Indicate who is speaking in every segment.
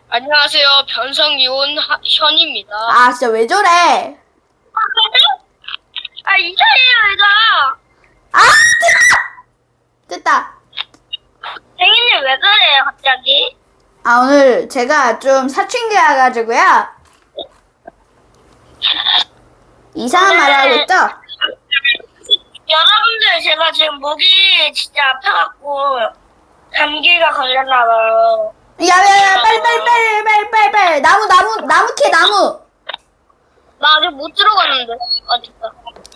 Speaker 1: 안녕하세요. 변성이온 현입니다.
Speaker 2: 아, 진짜 왜 저래?
Speaker 1: 이상해요, 얘가.
Speaker 2: 아, 됐다.
Speaker 1: 생일님 왜 그래요, 갑자기?
Speaker 2: 아, 오늘 제가 좀 사춘기 와가지고요. 이상한 말을 하고 있죠?
Speaker 1: 여러분들, 제가 지금 목이 진짜 아파갖고 감기가 걸렸나봐요.
Speaker 2: 야, 빨리. 나무 캐, 나무.
Speaker 1: 나 아직 못 들어갔는데. 됐다.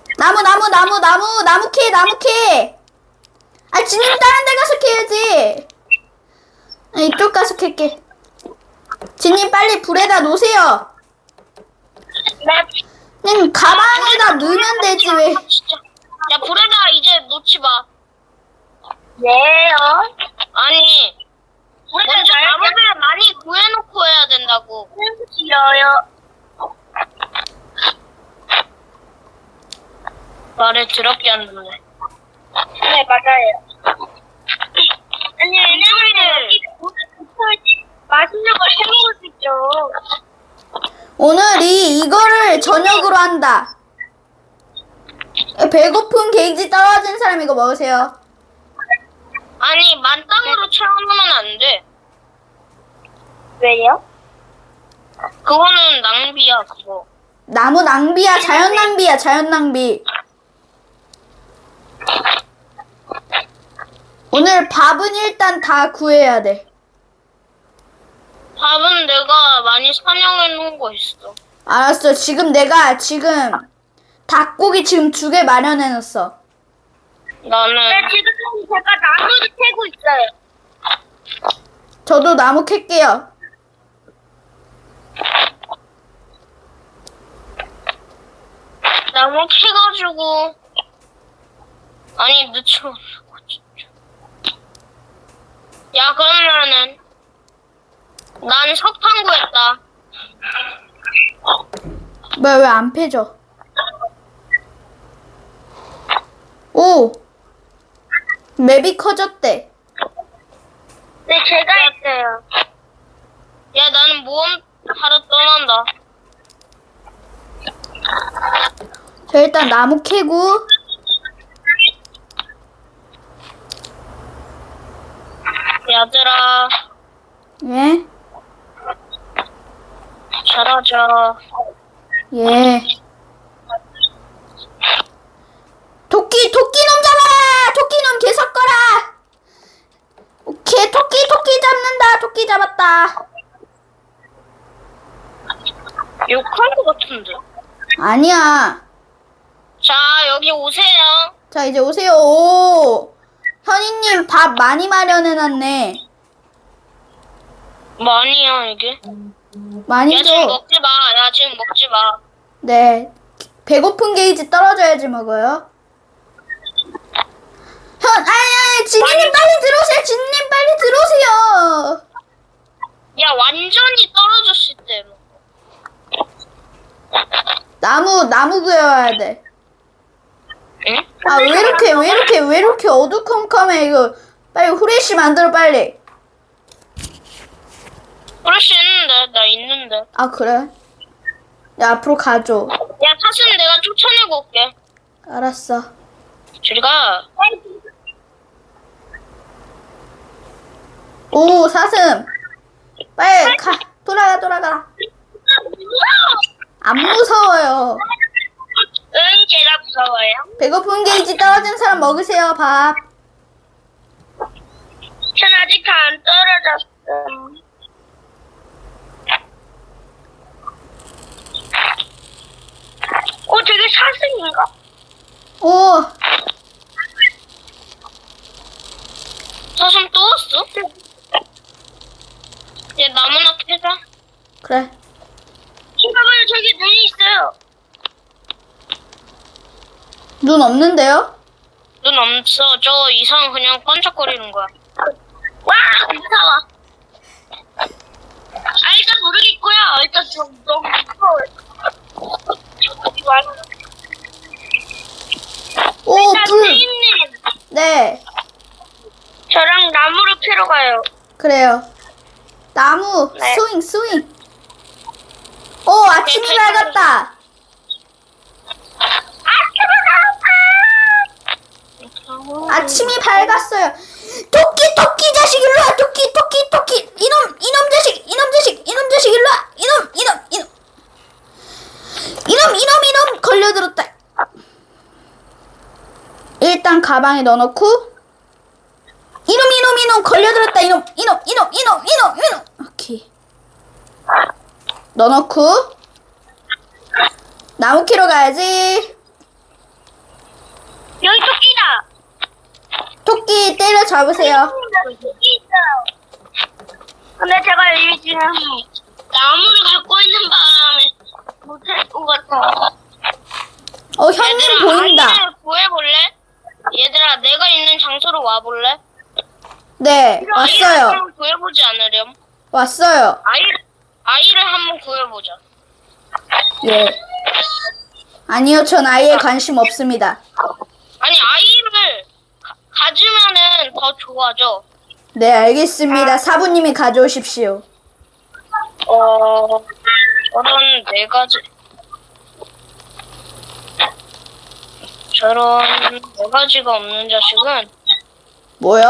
Speaker 2: 나무 캐. 아, 진님 다른 데 가서 캐야지. 아, 이쪽 가서 캘게. 진님 빨리 불에다 놓으세요.
Speaker 1: 네.
Speaker 2: 그냥 가방에다 넣으면 되지, 왜.
Speaker 1: 진짜. 야, 불에다 이제 놓지 마. 왜요? 아니, 먼저 나무를 많이 구해놓고 해야 된다고. 싫어요. 말을 더럽게 안 듣네. 네, 맞아요. 아니, 왜냐면 맛있는 걸 해먹을 수 있죠.
Speaker 2: 오늘이 이거를 저녁으로 한다. 배고픈 게이지 떨어진 사람 이거 먹으세요.
Speaker 1: 아니, 만땅으로 채워놓으면 안 돼. 왜요? 그거는 낭비야, 그거.
Speaker 2: 나무 낭비야, 자연 낭비. 오늘 밥은 일단 다 구해야 돼.
Speaker 1: 밥은 내가 많이 사냥해 놓은 거 있어.
Speaker 2: 알았어. 내가 닭고기 지금 2개 마련해 놨어.
Speaker 1: 나는. 네, 지금 제가 나무를 캐고 있어요.
Speaker 2: 저도 나무 캘게요.
Speaker 1: 나무 캐가지고. 아니, 늦춰. 야, 그러면은. 난 석탄 구했다.
Speaker 2: 뭐야, 왜 안 패져? 오! 맵이 커졌대.
Speaker 1: 네, 제가 했어요. 야, 나는 모험 하러 떠난다.
Speaker 2: 저 일단 나무 캐고.
Speaker 1: 얘들아,
Speaker 2: 예?
Speaker 1: 잘하자.
Speaker 2: 예. 토끼놈 잡아라! 토끼놈 개 섞어라! 오케이, 토끼 잡는다. 토끼 잡았다.
Speaker 1: 욕할 것 같은데.
Speaker 2: 아니야.
Speaker 1: 자, 여기 오세요.
Speaker 2: 자, 이제 오세요. 오! 현이님 밥 많이 마련해놨네.
Speaker 1: 많이야, 이게.
Speaker 2: 많이
Speaker 1: 야, 지금
Speaker 2: 줘.
Speaker 1: 먹지 마. 야, 지금 먹지 마.
Speaker 2: 네. 배고픈 게이지 떨어져야지 먹어요. 진님 빨리 들어오세요. 진님 빨리 들어오세요.
Speaker 1: 야, 완전히 떨어졌을 때.
Speaker 2: 나무 구해와야 돼.
Speaker 1: 응?
Speaker 2: 아, 왜 이렇게 어두컴컴해, 이거. 빨리 후레쉬 만들어, 빨리.
Speaker 1: 그럴 수 있는데, 나 있는데.
Speaker 2: 아, 그래? 야, 앞으로 가줘.
Speaker 1: 야, 사슴 내가 쫓아내고 올게.
Speaker 2: 알았어.
Speaker 1: 저리 가.
Speaker 2: 오, 사슴. 빨리 돌아가. 안 무서워요.
Speaker 1: 응, 제가 무서워요.
Speaker 2: 배고픈 게이지 떨어진 사람 먹으세요, 밥.
Speaker 1: 전 아직 안 떨어졌어. 되게 사슴인가?
Speaker 2: 오,
Speaker 1: 사슴 또 왔어? 얘 나무나 캐자.
Speaker 2: 그래.
Speaker 1: 봐봐요, 저기 눈이 있어요.
Speaker 2: 눈 없는데요?
Speaker 1: 눈 없어. 저 이상 그냥 반짝거리는 거야. 와, 무서워. 일단 모르겠고요. 일단 좀 너무 무서워요.
Speaker 2: 오,
Speaker 1: 일단
Speaker 2: 불.
Speaker 1: 선생님,
Speaker 2: 네,
Speaker 1: 저랑 나무를 캐러 가요.
Speaker 2: 그래요. 나무
Speaker 1: 네.
Speaker 2: 스윙 스윙. 오 아침이
Speaker 1: 네,
Speaker 2: 밝았다. 아침이 밝았어요. 토끼 자식 일로 와. 토끼 이놈 자식 일로 와. 이놈 걸려들었다. 일단 가방에 넣어놓고 이놈 걸려들었다. 이놈 오케이 넣어놓고 나무 캐러 가야지.
Speaker 1: 여기 토끼다.
Speaker 2: 토끼 때려 잡으세요.
Speaker 1: 토끼 있어요. 근데 제가 이 지금 나무를 갖고 있는 바람에 못할 것 같아.
Speaker 2: 형님 보인다.
Speaker 1: 아이를 구해볼래? 얘들아, 내가 있는 장소로 와볼래?
Speaker 2: 네
Speaker 1: 아이를
Speaker 2: 왔어요.
Speaker 1: 한번 구해보지 않으렴?
Speaker 2: 왔어요.
Speaker 1: 아이를 한번 구해보자.
Speaker 2: 예. 아니요, 전 아이에 관심 없습니다.
Speaker 1: 아니, 아이를 가지면은 더 좋아져.
Speaker 2: 네, 알겠습니다. 사부님이 가져오십시오.
Speaker 1: 저런 네 가지. 저런 네 가지가 없는 자식은.
Speaker 2: 뭐요?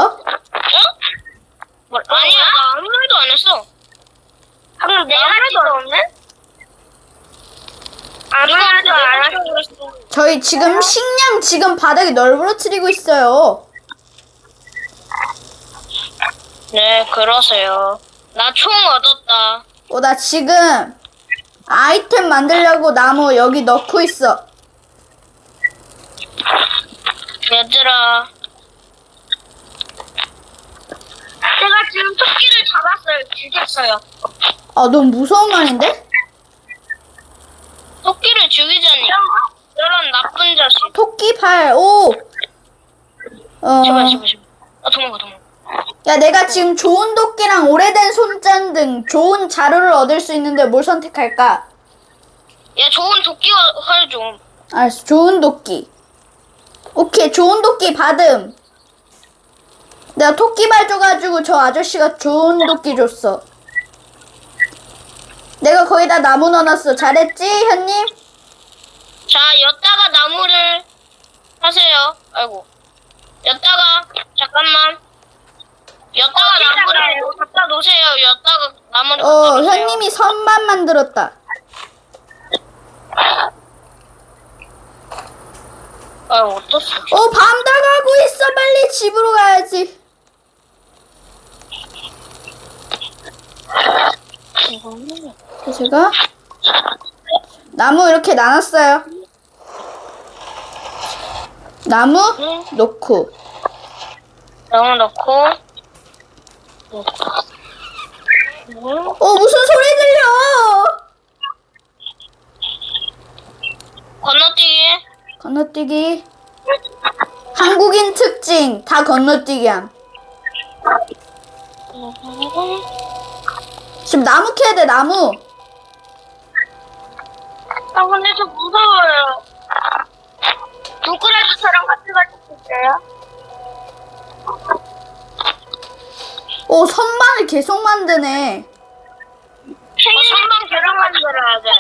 Speaker 1: 아니야, 나 아무 말도 안 했어. 방금 네 가지가 없네? 아무 말도 안 했어.
Speaker 2: 저희 지금 식량 지금 바닥에 널브러뜨리고 있어요.
Speaker 1: 네, 그러세요. 나 총 얻었다.
Speaker 2: 나 지금 아이템 만들려고 나무 여기 넣고 있어.
Speaker 1: 얘들아. 제가 지금 토끼를 잡았어요. 죽였어요.
Speaker 2: 너무 무서운 말인데?
Speaker 1: 토끼를 죽이자니. 저런 나쁜 자식.
Speaker 2: 토끼 팔, 오!
Speaker 1: 제발. 도망가.
Speaker 2: 야, 내가 지금 좋은 도끼랑 오래된 손잔 등 좋은 자료를 얻을 수 있는데 뭘 선택할까?
Speaker 1: 야, 좋은 도끼가 활 좀.
Speaker 2: 알았어, 좋은 도끼. 오케이, 좋은 도끼 받음. 내가 토끼발 줘가지고 저 아저씨가 좋은 도끼 줬어. 내가 거기다 나무 넣어놨어. 잘했지, 현님?
Speaker 1: 자, 엿다가 나무를 하세요. 아이고. 엿다가, 잠깐만. 엿다가 나무를 갖다 놓으세요. 엿다가 나무를 갖다 놓으세요.
Speaker 2: 현님이 선반 만들었다.
Speaker 1: 어떻어?
Speaker 2: 밤 다가고 있어. 빨리 집으로 가야지. 제가 나무 이렇게 나눴어요. 나무 놓고.
Speaker 1: 나무 넣고.
Speaker 2: 무슨 소리 들려?
Speaker 1: 건너뛰기.
Speaker 2: 건너뛰기. 한국인 특징 다 건너뛰기함. 지금 나무 캐야 돼. 나무.
Speaker 1: 근데 저 무서워요. 누구라도처럼 같이 갈 수 있어요?
Speaker 2: 선반을 계속 만드네.
Speaker 1: 선반 계속 만들어야 돼.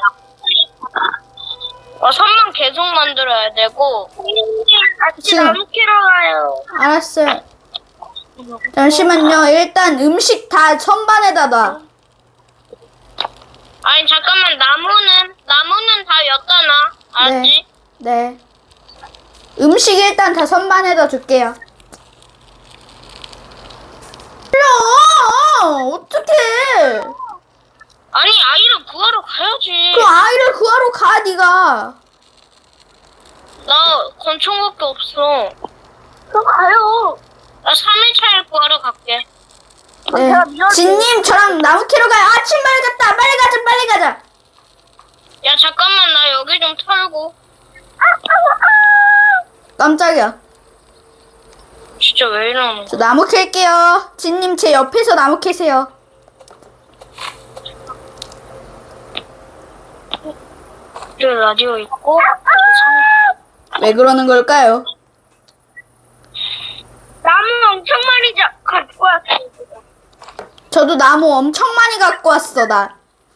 Speaker 1: 선반 계속 만들어야 되고. 같이
Speaker 2: 지금.
Speaker 1: 나무 캐러 가요.
Speaker 2: 알았어요. 잠시만요. 일단 음식 다 선반에다 놔.
Speaker 1: 아니 잠깐만, 나무는 다 엿다 놔. 알았지?
Speaker 2: 네. 음식 일단 다 선반에다 둘게요. 어떡해.
Speaker 1: 아니, 아이를 구하러 가야지.
Speaker 2: 그 아이를 구하러 가, 네가.
Speaker 1: 나 권총밖에 없어. 그럼 가요. 나 3일차를 구하러 갈게.
Speaker 2: 네. 진님, 저랑 나무 캐러 가요. 아침 밝았다. 빨리 가자.
Speaker 1: 야, 잠깐만, 나 여기 좀 털고.
Speaker 2: 깜짝이야.
Speaker 1: 진짜 왜 이러는
Speaker 2: 저
Speaker 1: 거야?
Speaker 2: 나무 캘게요. 진님, 제 옆에서 나무 캐세요.
Speaker 1: 여기 라디오 있고.
Speaker 2: 왜 그러는 걸까요?
Speaker 1: 나무 엄청 많이 갖고 왔어.
Speaker 2: 저 저도 나무 엄청 많이 갖고 왔어, 나.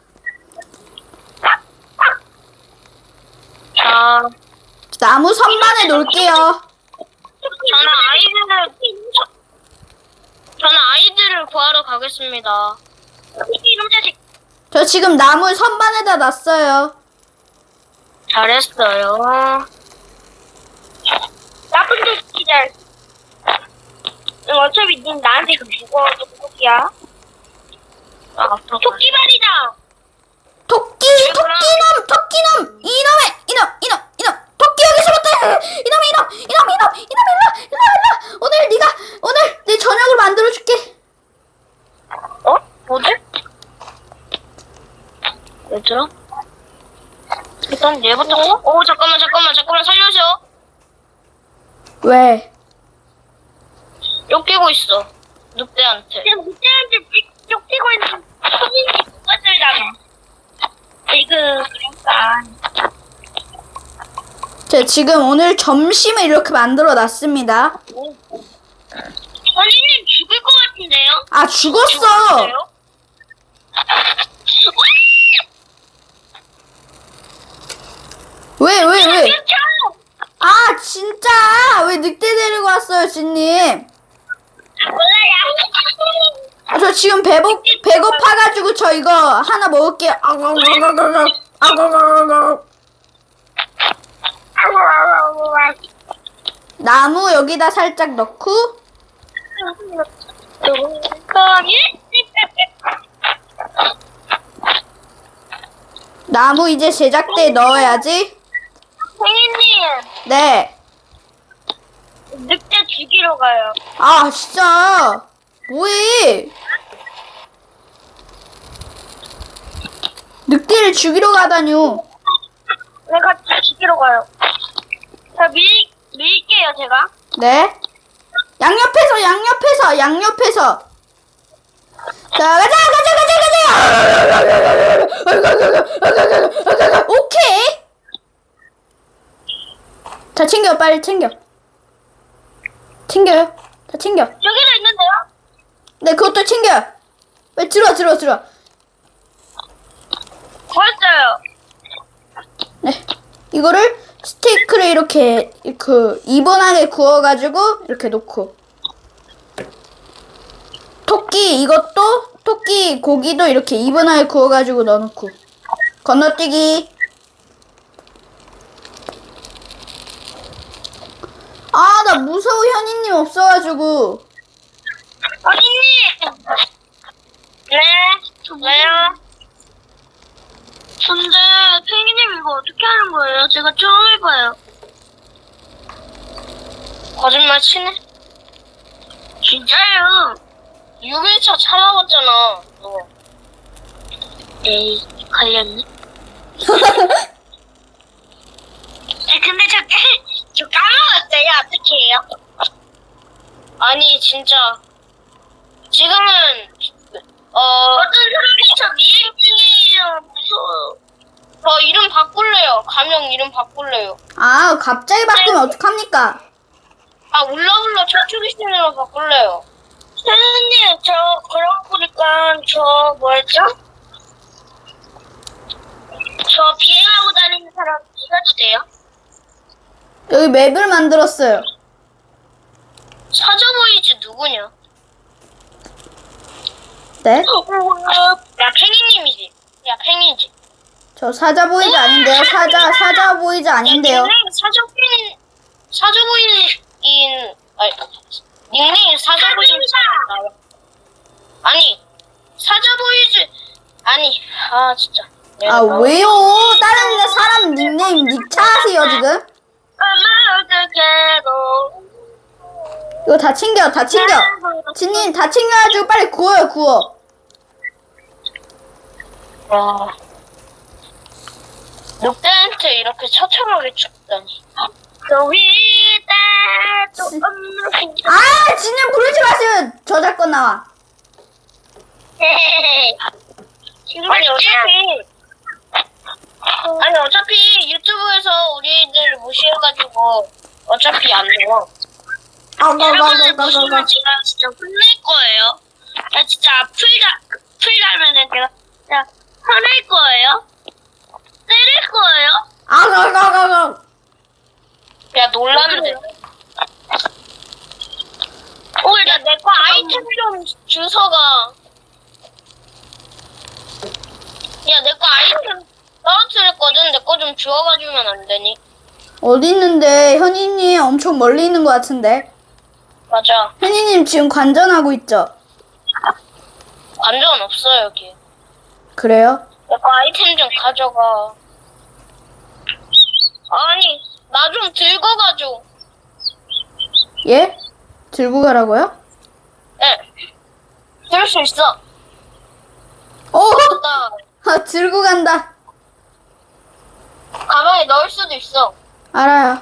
Speaker 3: 자,
Speaker 2: 나무 선반에 놓을게요.
Speaker 3: 저는 아이들을 구하러 가겠습니다.
Speaker 1: 이놈 자식.
Speaker 2: 저 지금 나무 선반에다 놨어요.
Speaker 3: 잘했어요.
Speaker 1: 나쁜 자식이들. 어차피 닌 나한테 죽어. 토끼야.
Speaker 3: 아,
Speaker 1: 토끼발이다.
Speaker 2: 토끼놈! 이놈! 토끼 여기서부터! 이놈! 일로! 오늘 내 저녁을 만들어줄게.
Speaker 3: 어? 뭐지? 얘들아? 일단 얘부터. 오, 잠깐만 살려줘.
Speaker 2: 왜?
Speaker 3: 쫓기고 있어. 늑대한테.
Speaker 1: 지금 그때한테 쫓기고 있는 손님이 누가들잖아. 그러니까.
Speaker 2: 저 지금 오늘 점심을 이렇게 만들어 놨습니다.
Speaker 1: 선생님 죽을 것 같은데요?
Speaker 2: 아, 죽었어! 왜? 아, 진짜! 왜 늑대 데리고 왔어요, 진님?
Speaker 1: 몰라요.
Speaker 2: 저 지금 배고파가지고 저 이거 하나 먹을게요. 나무 여기다 살짝 넣고, 나무 이제 제작대에 넣어야지.
Speaker 1: 선생님,
Speaker 2: 네.
Speaker 1: 늑대 죽이러 가요.
Speaker 2: 아, 진짜. 뭐해? 늑대를 죽이러 가다뇨.
Speaker 1: 내가 죽이러 가요. 자, 밀게요, 제가.
Speaker 2: 네. 양옆에서. 자, 가자. 오케이. 다 챙겨, 빨리 챙겨. 챙겨요. 다 챙겨.
Speaker 1: 여기도 있는데요?
Speaker 2: 네, 그것도 챙겨. 빨리 들어.
Speaker 1: 구했어요.
Speaker 2: 네. 이거를 스테이크를 이렇게 이번하게 구워가지고 이렇게 놓고. 토끼 고기도 이렇게 이번하게 구워가지고 넣어놓고. 건너뛰기. 아, 나 무서워. 현이님 없어가지고.
Speaker 1: 어린님! 네, 왜요? 근데 펭귄님 이거 어떻게 하는 거예요? 제가 처음 해봐요.
Speaker 3: 거짓말 치네?
Speaker 1: 진짜요?
Speaker 3: 6일차 참아봤잖아. 너.
Speaker 1: 에이, 걸렸네. 근데 저 까먹었어요. 어떻게 해요?
Speaker 3: 아니, 진짜. 지금은,
Speaker 1: 어떤 사람이 저 미행 중이에요. 무서워요.
Speaker 3: 저 이름 바꿀래요. 가명 이름 바꿀래요.
Speaker 2: 아, 갑자기 바꾸면 어떡합니까?
Speaker 3: 아, 울라울라 저쪽이 신으로 바꿀래요.
Speaker 1: 선생님, 저 그러고 보니까 저 뭐였죠? 저 비행하고 다니는 사람 이가도 돼요?
Speaker 2: 여기 맵을 만들었어요.
Speaker 3: 사자보이즈 누구냐?
Speaker 2: 네?
Speaker 3: 야, 팽이님이지. 야, 팽이지.
Speaker 2: 저 사자보이즈 아닌데요? 사자보이즈 아닌데요?
Speaker 3: 닉네임 사자보이즈 나와. 아니, 사자보이즈. 아니, 아, 진짜.
Speaker 2: 아, 왜요? 다른 사람 닉네임 닉차 하세요, 지금? 이거 다 챙겨. 진님, 다 챙겨가지고 빨리 구워.
Speaker 3: 와. 늑대한테 이렇게 처참하게 죽다니.
Speaker 2: 아, 진님 부르지 마세요. 저작권 나와.
Speaker 3: 아니 어차피 유튜브에서 우리들 무시해가지고 어차피 안 나와.
Speaker 1: 여러분들 무시하면 제가 진짜 혼낼 거예요. 야, 진짜 풀 달면은 제가 진짜 화낼 거예요? 때릴 거예요?
Speaker 2: 아가가가가.
Speaker 3: 야, 놀랐는데.
Speaker 1: 오, 나
Speaker 3: 내 거 아이템 좀 주워가. 야, 내 거 아이템 떨어뜨렸거든. 내 거 좀 주워가 주면 안 되니?
Speaker 2: 어디 있는데? 현이님 엄청 멀리 있는 것 같은데.
Speaker 3: 맞아.
Speaker 2: 현이님 지금 관전하고 있죠?
Speaker 3: 관전 없어, 여기.
Speaker 2: 그래요?
Speaker 3: 내 거 아이템 좀 가져가. 아니, 나 좀 들고 가줘.
Speaker 2: 예? 들고 가라고요?
Speaker 3: 네. 들을 수 있어.
Speaker 2: 오!
Speaker 3: 나
Speaker 2: 아, 들고 간다.
Speaker 3: 가방에 넣을 수도 있어.
Speaker 2: 알아요.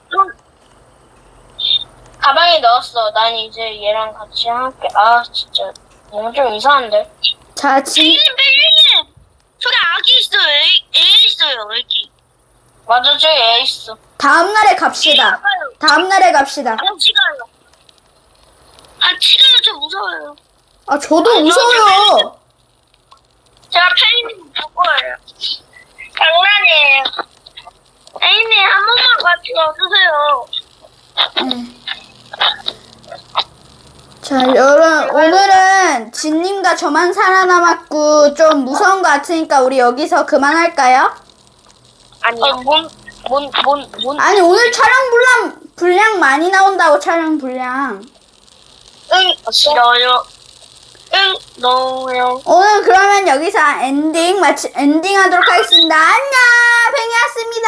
Speaker 3: 가방에 넣었어. 난 이제 얘랑 같이 할게. 아, 진짜. 너무 좀 이상한데?
Speaker 2: 자,
Speaker 1: 벨리님! 저기 아기 있어요. 애 있어요, 애기.
Speaker 3: 맞아, 저기 애 있어.
Speaker 2: 다음날에 갑시다. 다음날에 갑시다.
Speaker 1: 같이 가요. 같이 가요, 저 무서워요.
Speaker 2: 아, 저도 무서워요.
Speaker 1: 제가 펠리님 볼 거예요. 장난이에요. 펠리님, 한 번만 같이 와주세요.
Speaker 2: 네. 자, 오늘은 진님과 저만 살아남았고 좀 무서운 것 같으니까 우리 여기서 그만할까요?
Speaker 1: 아니요.
Speaker 2: 아니, 오늘 촬영 분량 많이 나온다고, 촬영 분량.
Speaker 1: 싫어요. 너요.
Speaker 2: 오늘 그러면 여기서 엔딩 하도록 하겠습니다. 안녕! 팽이였습니다.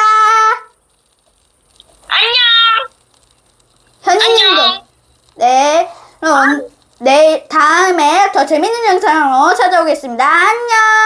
Speaker 1: 안녕.
Speaker 2: 현이님도.
Speaker 1: 안녕.
Speaker 2: 네. 그럼 다음에 더 재밌는 영상으로 찾아오겠습니다. 안녕!